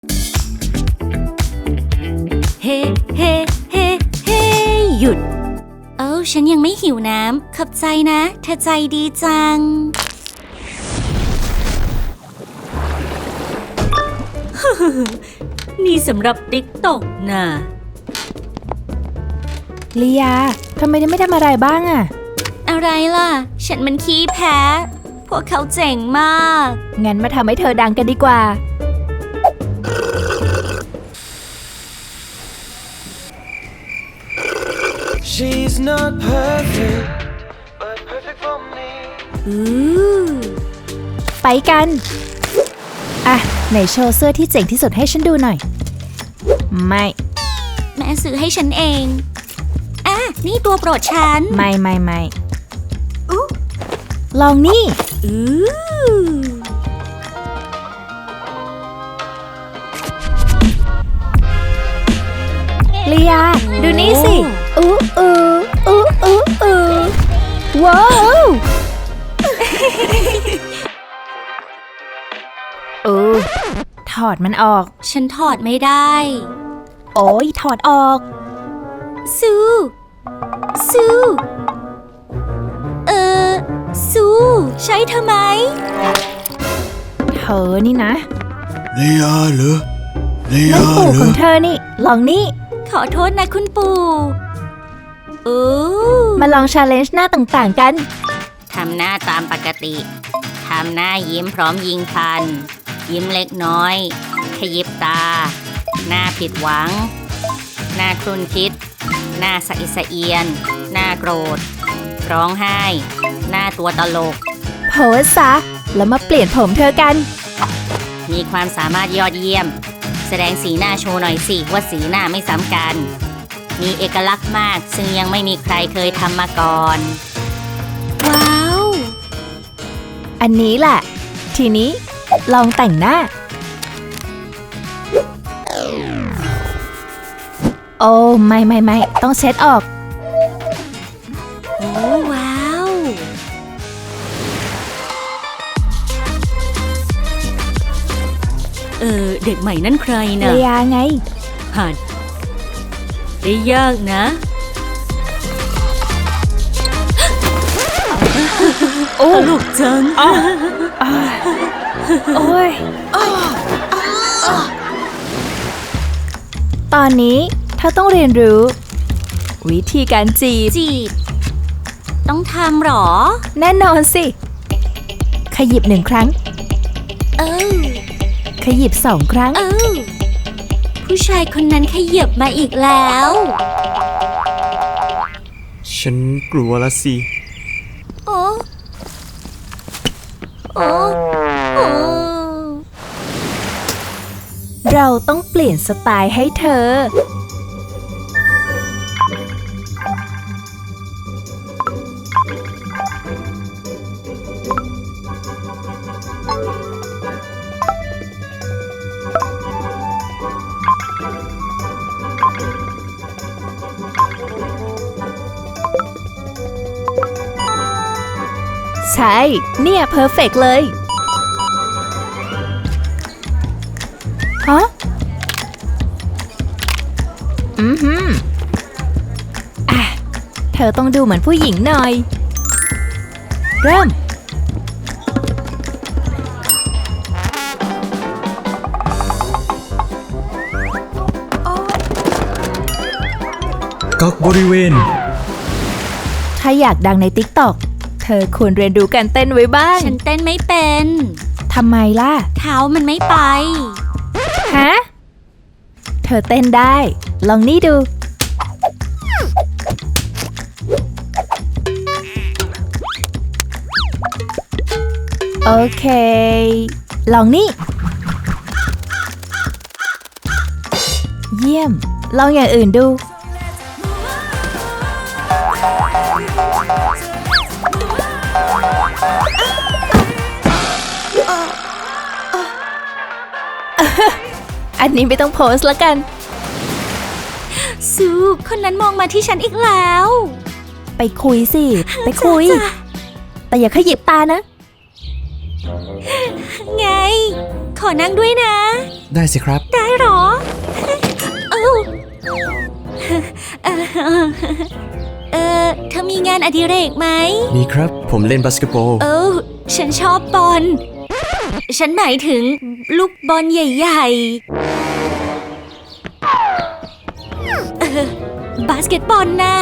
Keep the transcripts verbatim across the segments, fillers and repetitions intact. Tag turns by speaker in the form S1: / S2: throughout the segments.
S1: เฮ้เฮ้เฮ้เฮ้หยุดเอ้าฉันยังไม่หิวน้ำขอบใจนะเธอใจดีจัง นี่สำหรับติ๊กตอกน่ะ
S2: ลียาทำไมไม่ทำอะไรบ้างอะ
S1: อะไรล่ะฉันมันขี้แพ้พวกเขาเจ๋งมาก
S2: งั้นมาทำให้เธอดังกันดีกว่า
S3: She's not perfect, but perfect for me.
S1: อือ
S2: ไปกันอ่ะไหนโชว์เสื้อที่เจ๋งที่สุดให้ฉันดูหน่อยไม่
S1: แม่ซื้อให้ฉันเองอ่ะนี่ตัวโปรดฉัน
S2: ไม่ไม่ไม่
S1: อุ๊
S2: ลองนี่
S1: อือ
S2: ลียาดูนี่สิอู้อู้อู้อู้อู้ว้าวอู้ถอดมันออก
S1: ฉันถอดไม่ได้
S2: โอ้ยถอดออก
S1: ซูซูเออซูใช้เธอไหม
S2: เธอนี่นะ
S3: ลียาเหรอลี
S2: นั่น
S3: ยา
S2: ปู่
S3: เหร
S2: ข
S3: อ
S2: องเธอนี่ลองนี่
S1: ขอโทษนะคุณปู่โอ้
S2: มาลองชาเลนจ์หน้าต่างๆกัน
S1: ทำหน้าตามปกติทำหน้ายิ้มพร้อมยิงฟันยิ้มเล็กน้อยขยิบตาหน้าผิดหวังหน้าครุ่นคิดหน้าสะอิดสะเอียนหน้าโกรธร้องไห้หน้าตัวตลก
S2: โพสซะแล้วมาเปลี่ยนผมเธอกัน
S1: มีความสามารถยอดเยี่ยมแสดงสีหน้าโชว์หน่อยสิว่าสีหน้าไม่ซ้ำกันมีเอกลักษณ์มากซึ่งยังไม่มีใครเคยทำมาก่อนว้าว
S2: อันนี้แหละทีนี้ลองแต่งหน้าโอ้ไม่ไม่ไม่ต้องเช็ดออก
S1: โอ้ว้าวเออเด็กใหม่นั่นใครนะ
S2: เลียไง
S1: หัดได้ยากนะโอ้ลูกจัง
S2: โอ้ยตอนนี้เธอต้องเรียนรู้วิธีการจีบ
S1: จีบต้องทำหรอ
S2: แน่นอนสิขยิบหนึ่งครั้ง
S1: เออ
S2: ขยิบสองครั้ง
S1: เออผู้ชายคนนั้นขยับมาอีกแล้ว
S3: ฉันกลัวละสิ
S1: โอ้โอ้โอ้
S2: เราต้องเปลี่ยนสไตล์ให้เธอใช่เนี่ยเพอร์เฟกต์เลยฮะอือหืออ่ะเธอต้องดูเหมือนผู้หญิงหน่อยเริ่ม
S3: กักบริเวณ
S2: ถ้าอยากดังใน ติ๊กต็อก เธอควรเรียนรู้การเต้นไว้บ้าง
S1: ฉันเต้นไม่เป็น
S2: ทำไมล่ะ
S1: เท้ามันไม่ไป
S2: ฮะเธอเต้นได้ลองนี่ดูโอเคลองนี่เยี่ยมลองอย่างอื่นดูอันนี้ไม่ต้องโพสแล้วกัน
S1: ซูคนนั้นมองมาที่ฉันอีกแล้ว
S2: ไปคุยสิไปคุยแต่อย่าขยิบตานะ
S1: ไง ขอนั่งด้วยนะ
S4: ได้สิครับ
S1: ได้หรอ เอ้าเออเออเธอมีงานอดิเรกไหม
S4: มีครับ ผมเล่นบาสเกตบอล
S1: เออฉันชอบบอล ฉันหมายถึงลูกบอลใหญ่ๆเออบาสเกตบอลน่ะ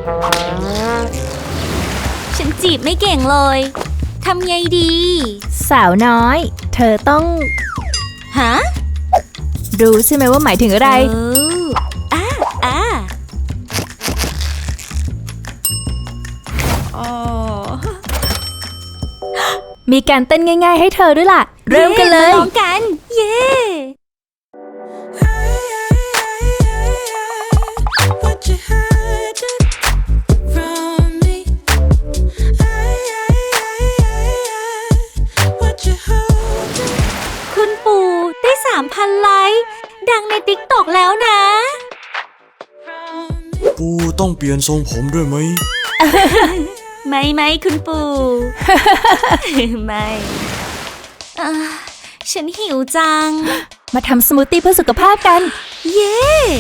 S1: ฉันจีบไม่เก่งเลย ทำไงดี
S2: สาวน้อย เธอต้อง
S1: ฮะ
S2: รู้ใช่ไหมว่าหมายถึงอะไร
S1: เอออ่าอ่าอ๋อ
S2: มีการเต้นง่ายๆให้เธอด้วยล่ะ เริ่มกันเลย
S1: มาลองกัน เย้
S3: What you hiding from me? What you holding?
S1: คุณปู่ได้สามพันไลค์ ดังในติ๊กตอกแล้วนะ
S4: ปูต้องเปลี่ยนทรงผมด้วยไหม
S1: ไม่ไม่คุณปู่ ไม่อ่าฉันหิวจัง
S2: มาทำสมูทตี้เพื่อสุขภาพกัน
S1: เย้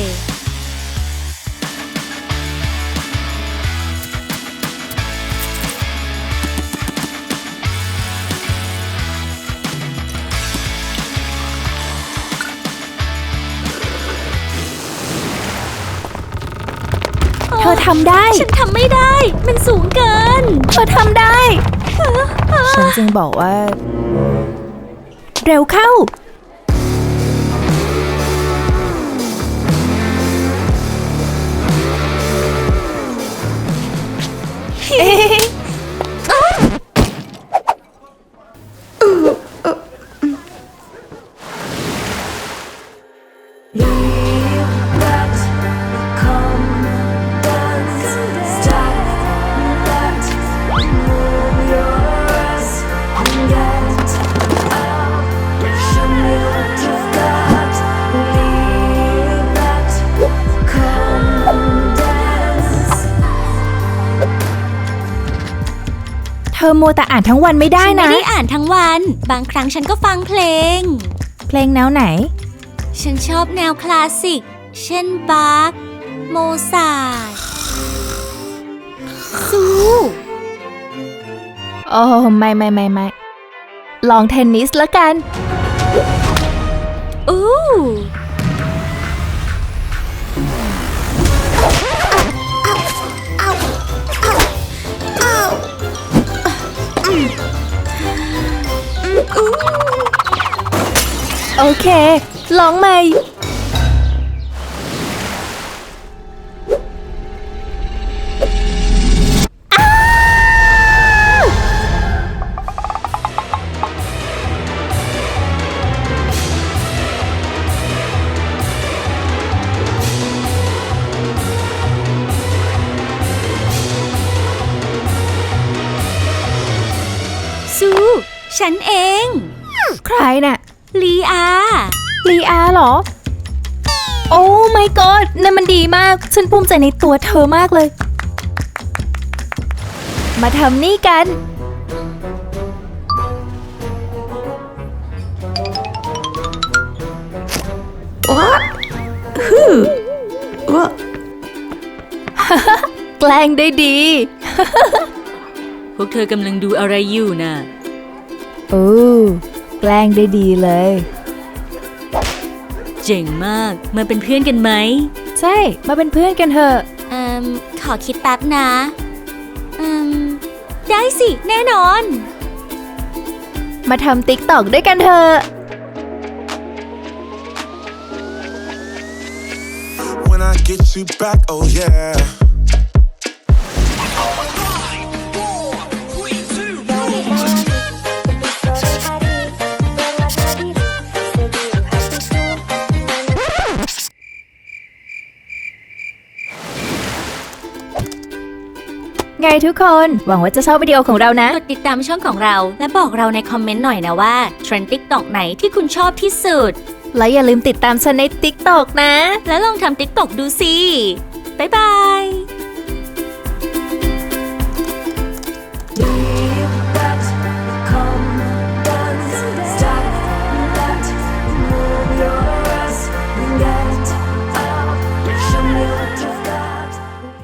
S2: เธอทำได้
S1: ฉันทำไม่ได้ มันสูงเกิน
S2: เธอทำได้ ฉันจึงบอกว่า เร็วเข้า เธอมัวแต่อ่านทั้งวันไม่ได้
S1: ฉันไม่
S2: นะ
S1: ได้อ่านทั้งวัน บางครั้งฉันก็ฟังเพลง
S2: เพลงแนวไหน
S1: ฉันชอบแนวคลาสสิก เช่นบาร์กโมซาร์ทซู
S2: โอ้ไม่ไม่ไม่ไม่ลองเทนนิสแล้วกัน
S1: อู้
S2: โอเค ลองใหม่
S1: ซู ฉันเอง
S2: ใครน่ะ
S1: ลีอา
S2: ลีอาเหรอ โอ้ my god นั่นมันดีมาก ฉันภูมิใจในตัวเธอมากเลย มาทำนี่กัน แกล้งได้ดี
S1: พวกเธอกำลังดูอะไรอยู่น่ะ
S2: โอ้แกล้งได้ดีเลย
S1: เจ๋งมาก มาเป็นเพื่อนกันไหม
S2: ใช่ มาเป็นเพื่อนกันเถอะ
S1: เอ่มขอคิดแป๊บนะเอ่มได้สิ แน่นอน
S2: มาทำติ๊กตอกด้วยกันเถอะ
S3: When I get you back, oh yeah.
S2: ไงทุกคน หวังว่าจะชอบวิดีโอของเรานะ
S1: กดติดตามช่องของเรา และบอกเราในคอมเมนต์หน่อยนะว่าเทรนด์ ติ๊กต็อก ไหนที่คุณชอบที่สุด
S2: และอย่าลืมติดตามฉันในติ๊กตอกนะ
S1: แล้วลองทำ ติ๊กต็อก ดูสิ บ๊ายบาย